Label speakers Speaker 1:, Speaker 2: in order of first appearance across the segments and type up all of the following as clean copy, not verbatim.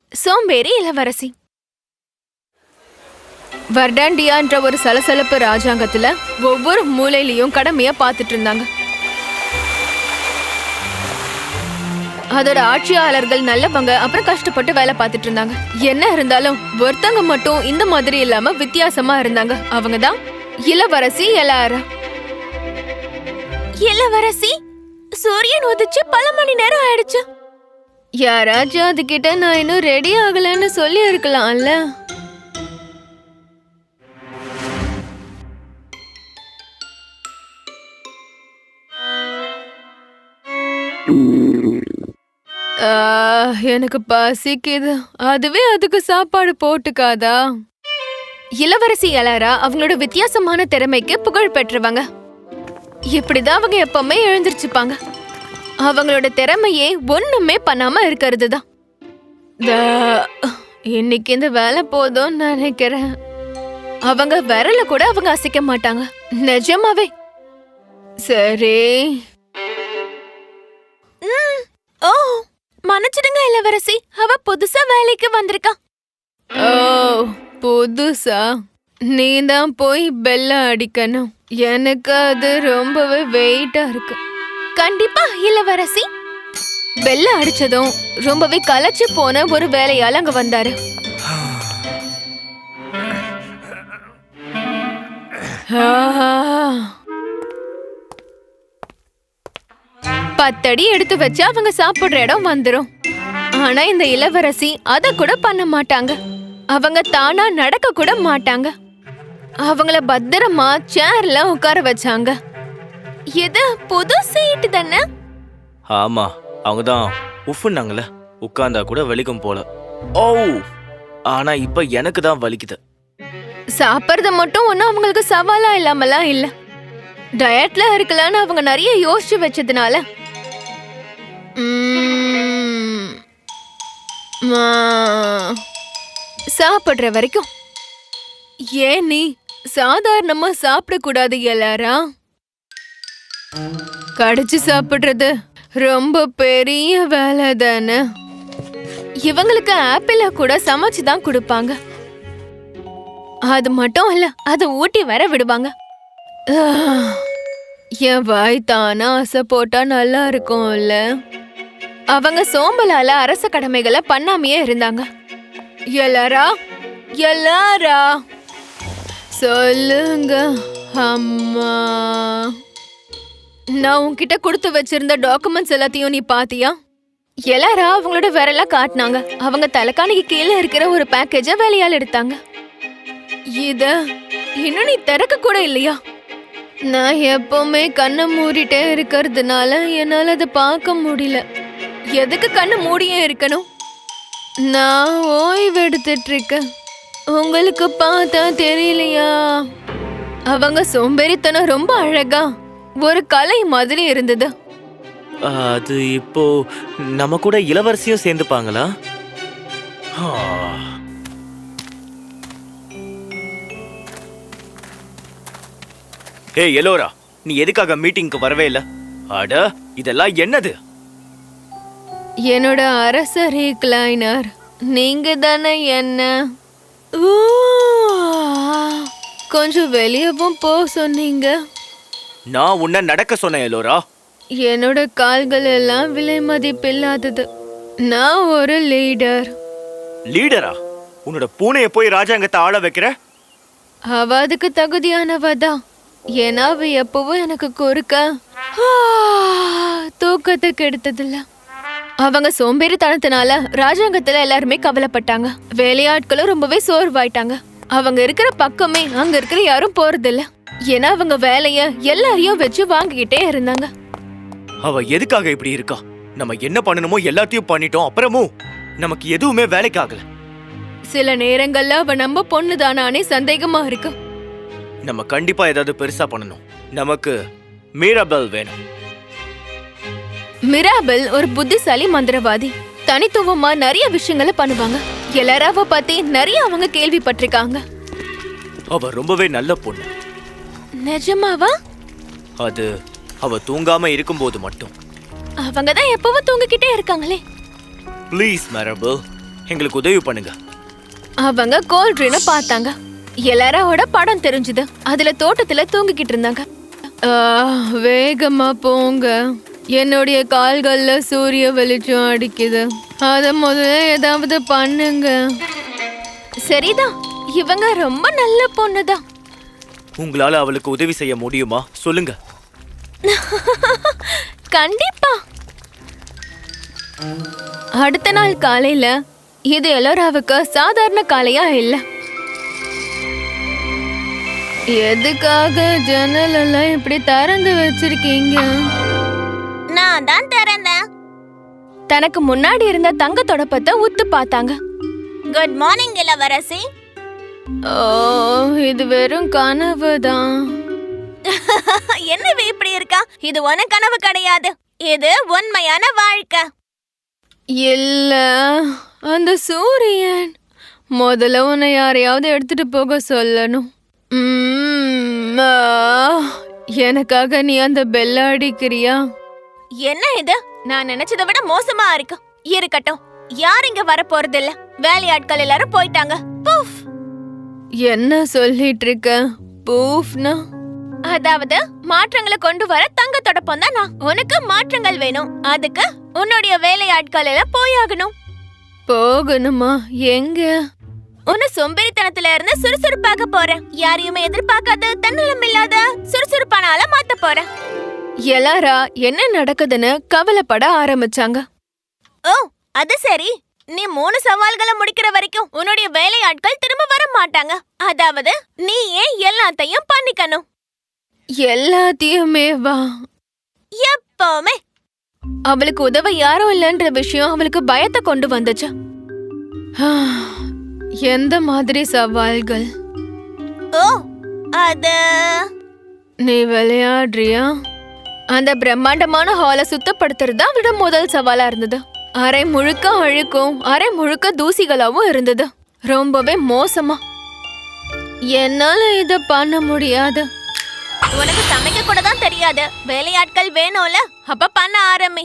Speaker 1: சோம்பேறி இளவரசி. வர்டாண்டியான்ற ஒரு சலசலப்பு ராஜாங்கத்துல ஒவ்வொரு மூலையிலயும் கடமைய பாத்துட்டு இருந்தாங்க. அதோட ஆட்சியாளர்கள் நல்லவங்க, அப்புறம் கஷ்டப்பட்டு வேலை பார்த்துட்டு இருந்தாங்க. என்ன இருந்தாலும் ஒருத்தங்க மட்டும் இந்த மாதிரி இல்லாம வித்தியாசமா இருந்தாங்க. அவங்கதான் இளவரசி எலாரா. இளவரசி, சூரியன் உதிச்சு பல மணி நேரம் ஆயிடுச்சு. யாராச்சும் அதுகிட்ட நான் இன்னும் ரெடி ஆகலன்னு சொல்லி இருக்கலாம்ல. எனக்கு பசிக்குது. அதுவே அதுக்கு சாப்பாடு போட்டுக்காதா? இளவரசி எலாரா அவங்களோட வித்தியாசமான திறமைக்கு புகழ் பெற்றவங்க. இப்படிதான் அவங்க எப்பவுமே எழுந்திருச்சுப்பாங்க. அவங்களோட திறமையே ஒண்ணுமே பண்ணாம இருக்கிறது தான். இன்னைக்கு இந்த வேலை போதும் நினைக்கிறேன். அவங்க விரல கூட அவங்க அசைக்க மாட்டாங்க, நிஜமாவே. சரி. ஓ, மன்னிச்சிடுங்க இளவரசி, அவ புதுசா வேலைக்கு வந்திருக்கா. ஓ, புதுசா? நீ தான் போய் பெல்ல அடிக்கணும். எனக்கு அது ரொம்பவே வெயிட்டா இருக்கு. கண்டிப்பா இளவரசி. பெல்ல அடிச்சதும் ரொம்பவே களைச்சு போன ஒரு வேலையால அங்க வந்தாரு. பத்தடி எடுத்து வச்சு அவங்க சாப்பிடுற இடம் வந்துரும். ஆனா இந்த இளவரசி அத கூட பண்ண மாட்டாங்க. அவங்க தானா நடக்க கூட மாட்டாங்க. அவங்கள பத்திரமா சேர்ல உட்கார வச்சாங்க. இது புது சீட் தானே?
Speaker 2: ஆமா, அவங்க தான் உஃப்னாங்கல, உட்கார்ந்தா கூட வலிக்கும் போல. ஓ, ஆனா இப்ப எனக்கு தான் வலிக்குது.
Speaker 1: சாப்பிடுறது மட்டும் ஒன்னும் அவங்களுக்கு சவாலா இல்லாமலாம் இல்ல. டயட்ல இருக்கலான்னு அவங்க நிறைய யோசிச்சு வச்சதுனால சாப்பிடுற வரைக்கும். ஏன் நீ சாதாரணமா சாப்பிடக்கூடாது எல்லாரா? கடிச்சு சாப்பிடுறது ரொம்ப பெரிய வேலை தானே. இவங்களுக்கு ஆப்பிள கூட சமைச்சுதான் கொடுப்பாங்க. அது மட்டும் இல்ல, அதை ஊட்டி வர விடுவாங்க. என் வாய் தானா ஆசை போட்டா நல்லா இருக்கும்ல. அவங்க சோம்பலால அரச கடமைகளை பண்ணாமையே இருந்தாங்க. எல்லாரா, எல்லாரா சொல்லுங்க அம்மா. நான் உன்கிட்ட கொடுத்து வச்சிருந்த டாக்குமெண்ட்ஸ் எல்லாத்தையும் நீ பாத்தியா? எல்லாரா அவங்களோட விரல காட்டினாங்க. அவங்க தலைக்காணிக்கு கீழே இருக்கிற ஒரு பேக்கேஜ வேலையால் எடுத்தாங்க. இத இன்னும் நீ திறக்க கூட இல்லையா? நான் எப்பவுமே கண்ணை மூடிட்டே இருக்கிறதுனால என்னால அதை பார்க்க முடியல. எதுக்கு கண்ணை மூடியே இருக்கணும்? நான் ஓய்வு எடுத்துட்டு இருக்கேன். உங்களுக்கு பார்த்தா தெரியலையா? அவங்க சோம்பேறித்தனம் ரொம்ப அழகா ஒரு கலை மாதிரி இருந்தது.
Speaker 2: அது இப்போ நம்ம கூட இளவரசியும் சேர்ந்துப்பாங்களா? ஏய் எலோரா, நீ எதுக்காக மீட்டிங்க்கு வரவே இல்ல? அட, இதெல்லாம் என்னது?
Speaker 1: என்னோட அரச ரீக்ளைனர், நீங்க தானே என்ன கொஞ்சம் வெளியவும் போ சொன்னீங்க.
Speaker 2: நான் உன்னை நடக்க சொன்னேன் எலோரா.
Speaker 1: என்னோட கால்கள் எல்லாம் விலை மதிப்பில்லாதது. நான் ஒரு லீடர்.
Speaker 2: லீடரா? உன்னோட பூனைய போய் ராஜாங்கத்தை ஆள வைக்கிற?
Speaker 1: அவ அதுக்கு தகுதியானவதான். ஏன்னா அவ எப்பவும் எனக்கு குறுக்க தூக்கத்தை கெடுத்ததில்ல. அவங்க சோம்பேறித்தனத்தினால ராஜாங்கத்துல எல்லாருமே கவலைப்பட்டாங்க. வேலையாட்களும் ரொம்பவே சோர்வாயிட்டாங்க. அவங்க இருக்கிற பக்கமே அங்க இருக்கிற யாரும் போறதில்ல. ஏன்னா அவங்க வேலைய எல்லாரையும் வச்சு வாங்கிக்கிட்டே இருந்தாங்க.
Speaker 2: அவ எதுக்காக இப்படி இருக்கா? நம்ம என்ன பண்ணணுமோ எல்லாத்தையும் பண்ணிட்டோம், அப்புறமும் நமக்கு எதுவுமே வேலைக்கு ஆகல.
Speaker 1: சில நேரங்கள்ல அவ நம்ம பொண்ணுதானானே சந்தேகமா இருக்கு.
Speaker 2: நம்ம கண்டிப்பா ஏதாவது பெருசா பண்ணணும். நமக்கு மிராபெல் வேணும்.
Speaker 1: மிராபெல் ஒரு புத்திசாலி மந்திரவாதி. தனித்துவமா நிறைய விஷயங்களை பண்ணுவாங்க. எல்லாராவ பத்தி நிறைய அவங்க கேள்விப்பட்டிருக்காங்க.
Speaker 2: அவ ரொம்பவே நல்ல பொண்ணு.
Speaker 1: நிஜமாவா?
Speaker 2: அது அவ தூங்காம இருக்கும்போது மட்டும்.
Speaker 1: அவங்க தான் எப்பவும் தூங்கிக்கிட்டே இருக்காங்களே.
Speaker 2: ப்ளீஸ் மிராபெல், எங்களுக்கு உதவி பண்ணுங்க.
Speaker 1: அவங்க கோல்ட்ரினை பார்த்தாங்க. எல்லாரோட படம் தெரிஞ்சுது. அதுல தோட்டத்துல தூங்கிக்கிட்டு இருந்தாங்க. வேகமா போங்க, என்னுடைய கால்கள்ல சூரிய வெளிச்சம் அடிக்குது. அத முதல்ல ஏதாவது பண்ணுங்க. சரிதான், இவங்க ரொம்ப நல்ல பொண்ணுதான்.
Speaker 2: உங்களால அவளுக்கு உதவி செய்ய முடியுமா சொல்லுங்க.
Speaker 1: கண்டிப்பா. அடுத்த நாள் காலையில இது எல்லோராவுக்கு சாதாரண காலையா இல்ல. எதுக்காக ஜன்னல் எல்லாம் இப்படி திறந்து வச்சிருக்கீங்க?
Speaker 3: நான் தான் திறந்தேன்.
Speaker 1: தனக்கு முன்னாடி இருந்த தங்க தொடப்பத்தை உத்து பார்த்தாங்க.
Speaker 3: குட் மார்னிங் இளவரசி.
Speaker 1: ஓ, இது வெறும் கனவு தான்.
Speaker 3: என்னவே இப்படி இருக்கா? இது ஒன்னு கனவு கிடையாது, இது உண்மையான வாழ்க்கை.
Speaker 1: இல்ல, அந்த சூரியன். முதல்ல உன்னை யாரையாவது எடுத்துட்டு போக சொல்லணும். எனக்காக நீ அந்த பெல்ல அடிக்கிறியா?
Speaker 3: என்ன இது? நான் நினைச்சதை விட மோசமா இருக்கு. இருக்கட்டும், யார் இங்க வர போறது இல்ல. வேலையாட்கள் எல்லாரும் போயிட்டாங்க. பூஃப்.
Speaker 1: என்ன சொல்லிட்டு இருக்க? பூஃப்னா
Speaker 3: அதாவது மாற்றங்களை கொண்டு வர தங்க தொடப்பம் தான் நான். உனக்கு மாற்றங்கள் வேணும், அதுக்கு உன்னுடைய வேலையாட்கள் எல்லாம் போயாகணும்.
Speaker 1: போகணுமா? எங்க?
Speaker 3: உன்னை சோம்பேறித்தனத்துல இருந்து சுறுசுறுப்பாக போறேன். யாரையுமே எதிர்பார்க்காத தன்னலம் இல்லாத சுறுசுறுப்பான ஆளா மாத்த போறேன்.
Speaker 1: எல்லாரா என்ன நடக்குதுன்னு கவலைப்பட ஆரம்பிச்சாங்க.
Speaker 3: ஓ, அது சரி. நீ 3 சவால்களை முடிக்கிற வரைக்கும் உன்னுடைய வேலையாட்கள் திரும்ப வர மாட்டாங்க. அதாவது நீ ஏன் எல்லாத்தையும் பண்ணிக்கணும்.
Speaker 1: எல்லாத்தையுமே வா.
Speaker 3: எப்பவுமே.
Speaker 1: அவளுக்கு உதவ யாரும் இல்லைன்ற விஷயம் அவளுக்கு பயத்தை கொண்டு வந்துச்சு. எந்த மாதிரி சவால்கள்?
Speaker 3: ஓ, அது
Speaker 1: நீ விளையாடுறியா? அந்த பிரம்மாண்டமான ஹாலை சுத்தப்படுத்துறது அவளோட முதல் சவாலா இருந்தது. அரை முழுக்க அழுக்கும் அரை முழுக்க தூசிகளாவும் இருந்தது. ரொம்பவே மோசமா. என்னால இத பண்ண முடியாது.
Speaker 3: உனக்கு சமைக்க கூட தான் தெரியாது. வேலையாட்கள் வேணும்ல, அப்ப பண்ண ஆரம்பி.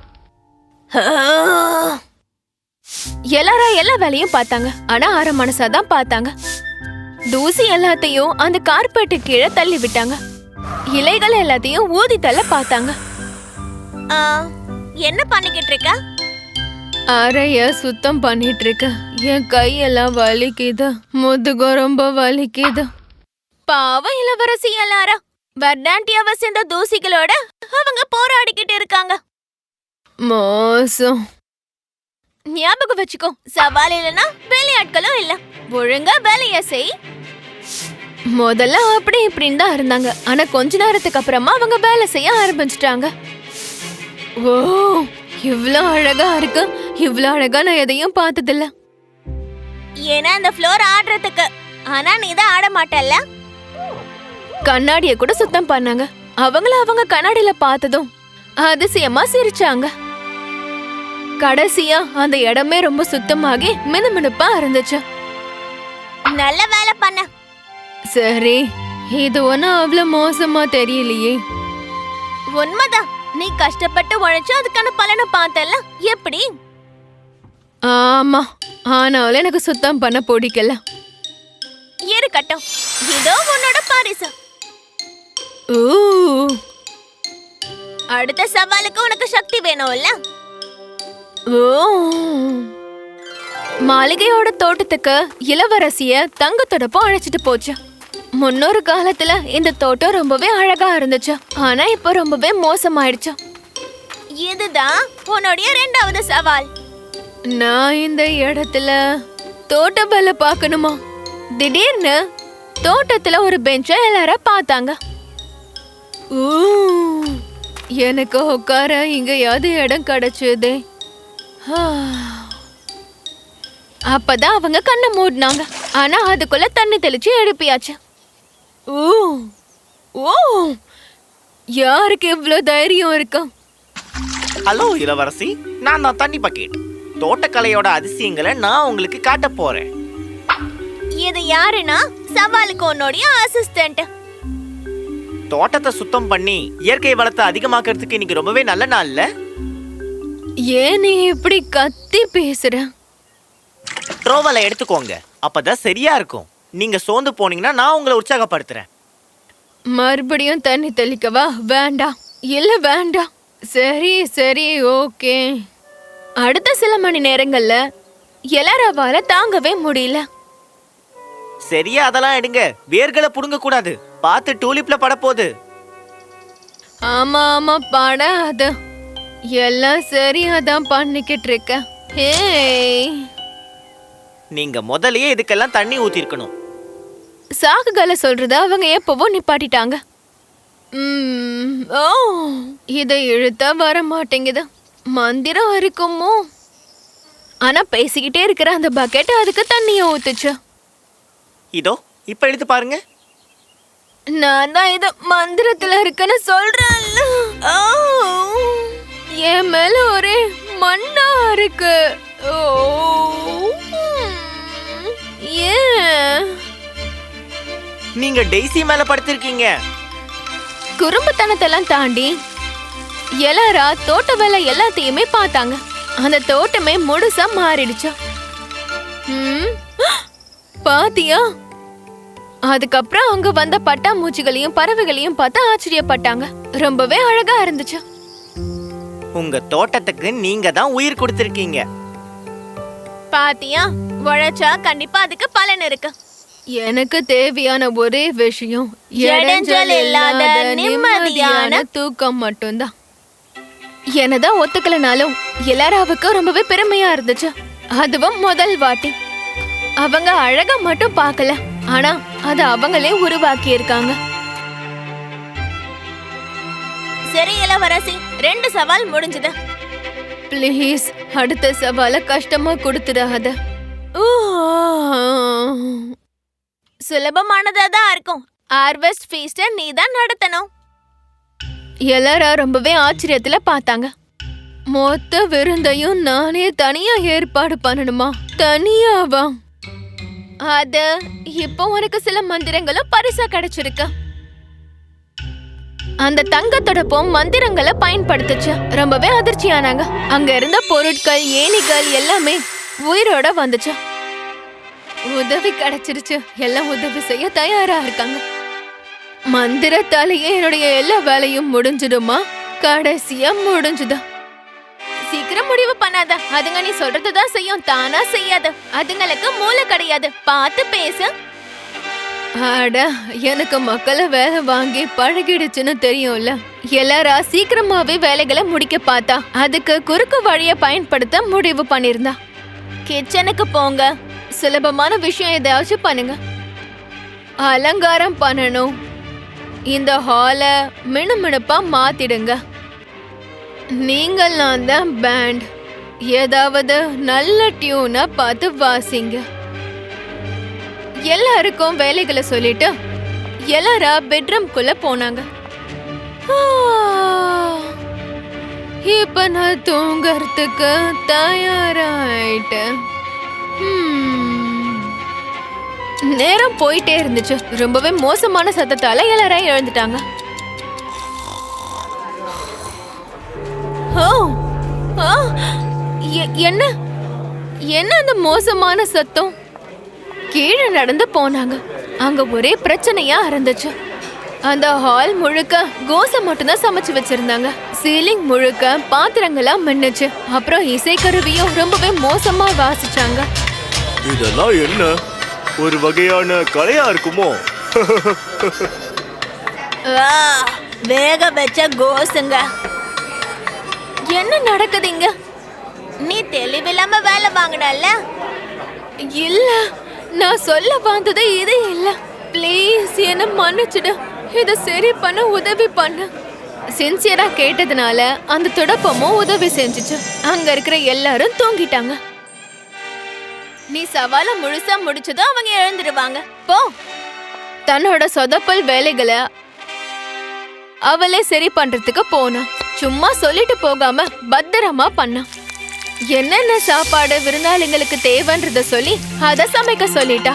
Speaker 1: எல்லாரும் எல்லா வேலையும் பார்த்தாங்க. ஆனா அரை மனசாதான் பார்த்தாங்க. தூசி எல்லாத்தையும் அந்த கார்பெட்டு கீழே தள்ளி விட்டாங்க. இலைகள் எல்லாத்தையும் ஊதி தள்ள பார்த்தாங்க.
Speaker 3: ஆ, என்ன பண்ணிக்கிட்டு இருக்க?
Speaker 1: அறைய சுத்தம் பண்ணிட்டு இருக்க. என் கையெல்லாம் வலிக்குது, முதுகும் ரொம்ப வலிக்குது.
Speaker 3: பாவம் இளவரசி எல்லாரும் வர்டாண்டியாவை சேர்ந்த தூசிகளோட அவங்க போராடிக்கிட்டு இருக்காங்க.
Speaker 1: மோசம்.
Speaker 3: ஞாபகம் வச்சுக்கோ, சவால் இல்லைன்னா வேலையாட்களும் இல்ல. ஒழுங்கா வேலைய செய்.
Speaker 1: முதல்ல அப்படி இப்படின்னு தான் இருந்தாங்க. ஆனா கொஞ்ச நேரத்துக்கு அப்புறமா அவங்க வேலை செய்ய ஆரம்பிச்சிட்டாங்க. ஓ, இவ்ளோ அழகா இருக்கு. இவ்ளோ அழகா நான் எதையும் பார்த்ததில்ல.
Speaker 3: ஏன்னா இந்த ஃப்ளோர் ஆடுறதுக்கு. ஆனா நீ தான் ஆட மாட்டல்ல.
Speaker 1: கண்ணாடிய கூட சுத்தம் பண்ணாங்க. அவங்க கண்ணாடியில பார்த்ததும் அதிசயமா சிரிச்சாங்க. கடைசியா அந்த இடமே ரொம்ப சுத்தமாகி மினுமினுப்பா இருந்துச்சு.
Speaker 3: நல்ல வேலை பண்ண.
Speaker 1: சரி, இது ஒன்னும் அவ்வளவு மோசமா தெரியலையே.
Speaker 3: உண்மைதான், நீ கஷ்டப்பட்டு உழைச்சு அதுக்கான பலனை பார்த்தல. எப்படி?
Speaker 1: ஆமா, ஆனாலும் எனக்கு சுத்தம் பண்ண பிடிக்கல.
Speaker 3: இருக்கட்டும், இதோ உன்னோட பரிசு.
Speaker 1: ஊ,
Speaker 3: அடுத்த சவாலுக்கு உனக்கு சக்தி வேணும்ல.
Speaker 1: ஓ. மாளிகையோட தோட்டத்துக்கு இளவரசிய தங்க தொடப்பம் அழைச்சிட்டு போச்சு. முன்னொரு காலத்துல இந்த தோட்டம் ரொம்பவே அழகா இருந்துச்சு. ஆனா இப்ப ரொம்பவே மோசமாயிடுச்சு.
Speaker 3: இதுதான் உன்னுடைய 2வது சவால்.
Speaker 1: நான் இந்த இடத்துல தோட்ட வேலை பார்க்கணுமா? திடீர்னு தோட்டத்துல ஒரு பெஞ்ச எல்லாரும் பார்த்தாங்க. ஊ, எனக்கு உட்கார இங்கயாவது இடம் கிடைச்சதே. அப்பதான் அவங்க கண்ணை மூடினாங்க. ஆனா அதுக்குள்ள தண்ணி தெளிச்சு எழுப்பியாச்சு. ஓ ஓ, யாருக்கு இவ்வளவு தைரியம் இருக்கா?
Speaker 2: ஹலோ இளவரசி, நான் தான் தண்ணி பக்கெட். தோட்டக்கலையோட அதிசயங்களை நான் உங்களுக்கு காட்ட போறேன்.
Speaker 3: இது யாருன்னா சவாலுக்கு உன்னுடைய அசிஸ்டன்ட்.
Speaker 2: தோட்டத்தை சுத்தம் பண்ணி இயற்கை வளத்தை அதிகமாக்குறதுக்கு இன்னைக்கு ரொம்பவே நல்ல நாள்ல.
Speaker 1: ஏன் நீ இப்படி கத்தி பேசுற?
Speaker 2: ட்ரோவலை எடுத்துக்கோங்க, அப்பதான் சரியா இருக்கும். நீங்க சோர்ந்து போனீங்கன்னா நான் உங்களை உற்சாகப்படுத்துறேன்.
Speaker 1: மறுபடியும் தண்ணி தெளிக்கவா? வேண்டாம், இல்ல வேண்டாம். சரி சரி, ஓகே. அடுத்த சில மணி நேரங்கள்ல எல்லாராவால தாங்கவே முடியல.
Speaker 2: சரியா, அதெல்லாம் எடுங்க. வேர்களை புடுங்க கூடாது. பார்த்து டூலிப்ல பட போகுது.
Speaker 1: ஆமா ஆமா, படாத. எல்லாம் சரியாதான் பண்ணிக்கிட்டு இருக்க. ஹேய்,
Speaker 2: நீங்க முதல்லயே இதுக்கெல்லாம் தண்ணி ஊத்திருக்கணும்.
Speaker 1: சாக்குகளை சொல்றத அவங்க எப்பவோ நிப்பாட்டிட்டாங்க. ஓ, இதை இழுத்தா வர மாட்டேங்குது. மந்திரம் இருக்குமோ? ஆனா பேசிக்கிட்டே இருக்கிற அந்த பக்கெட் அதுக்கு தண்ணிய ஊத்துச்சு.
Speaker 2: இதோ இப்ப எடுத்து பாருங்க.
Speaker 1: நான் தான் இது மந்திரத்துல இருக்குன்னு சொல்றேன்ல. ஓ, என் மேல ஒரே மண்ணா இருக்கு. ஓ, ஏன்?
Speaker 2: நீங்க டெய்ஸி மேல படுத்திருக்கீங்க.
Speaker 1: குறும்புத்தனத்தெல்லாம் தாண்டி எல்லாரா தோட்ட வேலை எல்லாத்தையுமே பார்த்தாங்க. அந்த தோட்டமே முழுசா மாறிடுச்சு. பாத்தியா? அதுக்கப்புறம் அங்க வந்த பட்டாம்பூச்சிகளையும் பறவைகளையும் பார்த்து ஆச்சரியப்பட்டாங்க. ரொம்பவே அழகா இருந்துச்சு.
Speaker 2: உங்க தோட்டத்துக்கு நீங்க தான் உயிர் கொடுத்திருக்கீங்க.
Speaker 3: பாத்தியா, உழைச்சா கண்டிப்பா அதுக்கு பலன் இருக்கு.
Speaker 1: எனக்கு தேவையான ஒரே விஷயம்
Speaker 3: இடைஞ்சல் இல்லாத நிம்மதியான
Speaker 1: தூக்கம் மட்டும்தான். என்னதான் ஒத்துக்கலனாலும் எல்லாராவுக்கும் ரொம்பவே பெருமையா இருந்துச்சு. அதுவும் முதல் வாட்டி. அவங்க அழகா மட்டும் பார்க்கல, ஆனா அது அவங்களே உருவாக்கி இருக்காங்க.
Speaker 3: சரி இளவரசி, 2 சவால் முடிஞ்சது.
Speaker 1: ப்ளீஸ், அடுத்த சவால கஷ்டமா கொடுத்துடாத.
Speaker 3: சுலபமானதா தான் இருக்கும். ஹார்வெஸ்ட் ஃபீஸ்ட நீ தான் நடத்தணும்.
Speaker 1: எல்லாரும் ரொம்பவே ஆச்சரியத்துல பார்த்தாங்க. மொத்த விருந்தையும் நானே தனியா ஏற்பாடு பண்ணணுமா? தனியாவா? அது இப்போ உனக்கு சில மந்திரங்களும் பரிசா கிடைச்சிருக்கு. அந்த தங்கத்தொடப்பும் மந்திரங்களை பயன்படுத்துச்சு. ரொம்பவே அதிர்ச்சியானாங்க. அங்க இருந்த பொருட்கள், ஏணிகள் எல்லாமே உயிரோட வந்துச்சு. உதவி கிடைச்சிருச்சு. எல்லாம் உதவி செய்ய தயாரா இருக்காங்க. மந்திரத்தாலேயே என்னுடைய எல்லா வேலையும் முடிஞ்சிடுமா? கடைசியா முடிஞ்சுதா? சீக்கிரம் முடிவு பண்ணாத. அதுங்க நீ சொல்றதுதான் செய்யும், தானா செய்யாது. அதுங்களுக்கு மூளை கிடையாது. பார்த்து பேசு. அட, எனக்கு மக்களை வேலை வாங்கி பழகிடுச்சுன்னு தெரியும்ல. எல்லாரா சீக்கிரமாவே வேலைகளை முடிக்க பார்த்தா. அதுக்கு குறுக்கு வழிய பயன்படுத்த முடிவு பண்ணிருந்தா. கிச்சனுக்கு போங்க. சுலபமான விஷயம் ஏதாச்சும் பண்ணுங்க. அலங்காரம் பண்ணணும். இந்த ஹால மினுமினுப்பா மாத்திடுங்க. நீங்கள்லாம் தான் பேண்ட். ஏதாவது நல்ல டியூனா பார்த்து வாசிங்க. எல்லாருக்கும் வேலைகளை சொல்லிட்டு எல்லாரா பெட்ரூம்குள்ள போனாங்க. இப்ப நான் தூங்கறதுக்கு தயாராயிட்டேன். நேரம் போயிட்டே இருந்துச்சு. ரொம்பவே மோசமான சத்தத்தால எல்லாரும் எழுந்துட்டாங்க. என்ன என்ன அந்த மோசமான சத்தம்? கீழே நடந்து போனாங்க. அங்க ஒரே பிரச்சனையா இருந்துச்சு. அந்த ஹால் முழுக்க கோசை மட்டும்தான் சமைச்சு வச்சிருந்தாங்க. சீலிங் முழுக்க பாத்திரங்களா மின்னுச்சு. அப்புறம் இசைக்கருவியும் ரொம்பவே மோசமா வாசிச்சாங்க.
Speaker 4: இதெல்லாம் என்ன ஒரு வகையான கலையா இருக்குமோ?
Speaker 3: வேக வச்ச கோசுங்க.
Speaker 1: என்ன நடக்குதுங்க?
Speaker 3: நீ தெளிவில்லாம வேலை வாங்கினல்ல?
Speaker 1: இல்ல, நான் சொல்ல வந்தது இது இல்ல. ப்ளீஸ் என்ன மன்னிச்சிடு. இத சரி பண்ண உதவி பண்ணு. சின்சியரா கேட்டதுனால அந்த துடப்பமும் உதவி செஞ்சுச்சு. அங்க இருக்கிற எல்லாரும் தூங்கிட்டாங்க.
Speaker 3: நீ சவால முழுசா முடிச்சதும் அவங்க எழுந்துடுவாங்க. போ.
Speaker 1: தன்னோட சொதப்பல் வேலைகளை அவளே சரி பண்றதுக்கு போனா. சும்மா சொல்லிட்டு போகாம பத்திரமா பண்ணா. என்னென்ன சாப்பாடு விருந்தாளிங்களுக்கு தேவைன்றத சொல்லி அத சமைக்க சொல்லிட்டா.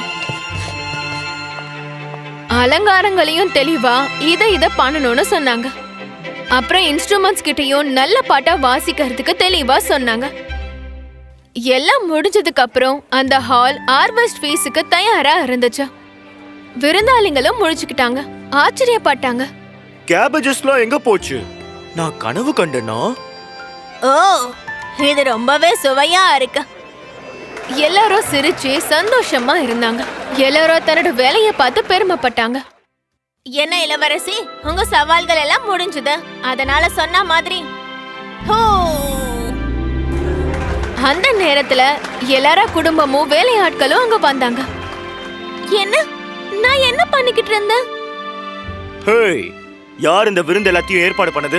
Speaker 1: அலங்காரங்களையும் தெளிவா இத பண்ணணும்னு சொன்னாங்க. அப்புறம் இன்ஸ்ட்ருமெண்ட்ஸ் கிட்டயும் நல்ல பாட்டா வாசிக்கிறதுக்கு தெளிவா சொன்னாங்க. எல்லாம் முடிஞ்சதுக்கு அப்புறம் அந்த ஹால் ஹார்வெஸ்ட் ஃபீஸுக்கு தயாரா இருந்துச்சு. விருந்தாளிங்களும் முழிச்சுக்கிட்டாங்க, ஆச்சரியப்பட்டாங்க.
Speaker 4: கேபேஜஸ்லாம் எங்க போச்சு? நான் கனவு கண்டேனா?
Speaker 3: ஓ, இது ரொம்பவே சுவையா இருக்கு.
Speaker 1: எல்லாரும் சிரிச்சு சந்தோஷமா இருந்தாங்க. எல்லாரும் தன்னோட வேலையை பார்த்து பெருமைப்பட்டாங்க.
Speaker 3: என்ன இளவரசி, உங்க சவால்கள் எல்லாம் முடிஞ்சது. அதனால சொன்ன மாதிரி ஹோ.
Speaker 1: அந்த நேரத்துல எல்லார குடும்பமும் வேலையாட்களும் அங்க வந்தாங்க.
Speaker 3: என்ன? நான் என்ன பண்ணிக்கிட்டு இருந்தேன்?
Speaker 4: ஹேய், யார் இந்த விருந்து எல்லாத்தையும் ஏற்பாடு பண்ணது?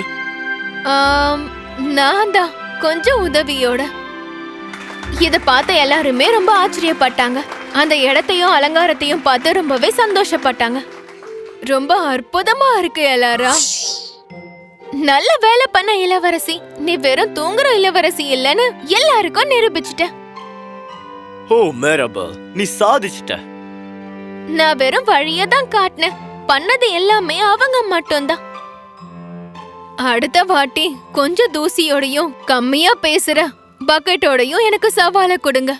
Speaker 1: நான் தான், கொஞ்சம் உதவியோட. இத பார்த்த எல்லாருமே ரொம்ப ஆச்சரியப்பட்டாங்க. அந்த இடத்தையும் அலங்காரத்தையும் பார்த்து ரொம்பவே சந்தோஷப்பட்டாங்க. ரொம்ப அற்புதமா இருக்கு எல்லாரா. நல்ல வேலை பண்ண இளவரசி. நீ வெறும் தூங்குற இளவரசி இல்லன்னு எல்லாருக்கும் நிரூபிச்சிட்ட.
Speaker 4: ஓ மேரபல், நீ சாதிச்சிட்ட.
Speaker 1: நான் வெறும் வழியை தான் காட்டினேன். பண்ணது எல்லாமே அவங்க மட்டும்தான். அடுத்த வாட்டி கொஞ்சம் தூசியோடையும் கம்மியா பேசுற பக்கெட்டோடையும் எனக்கு சவாலை கொடுங்க.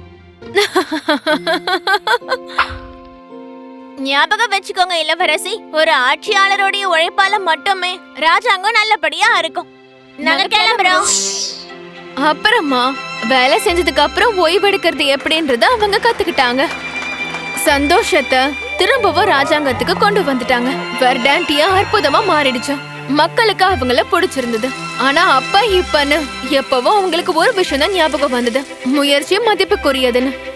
Speaker 3: ஞாபகம் வச்சுக்கோங்க இளவரசி, ஒரு ஆட்சியாளருடைய உழைப்பால மட்டுமே ராஜாங்கம் நல்லபடியா இருக்கும். நாங்க கிளம்புறோம்.
Speaker 1: அப்புறமா வேலை செஞ்சதுக்கு அப்புறம் ஓய்வெடுக்கிறது எப்படின்றத அவங்க கத்துக்கிட்டாங்க. சந்தோஷத்தை திரும்பவும் ராஜாங்கத்துக்கு கொண்டு வந்துட்டாங்க. வெர்டான்டியா அற்புதமா மாறிடுச்சு. மக்களுக்கு அவங்கள பிடிச்சிருந்தது. ஆனா அப்ப இப்பன்னு எப்பவும் அவங்களுக்கு ஒரு விஷயம் தான் ஞாபகம் வந்தது, முயற்சி மதிப்புக்குரியதுன்னு.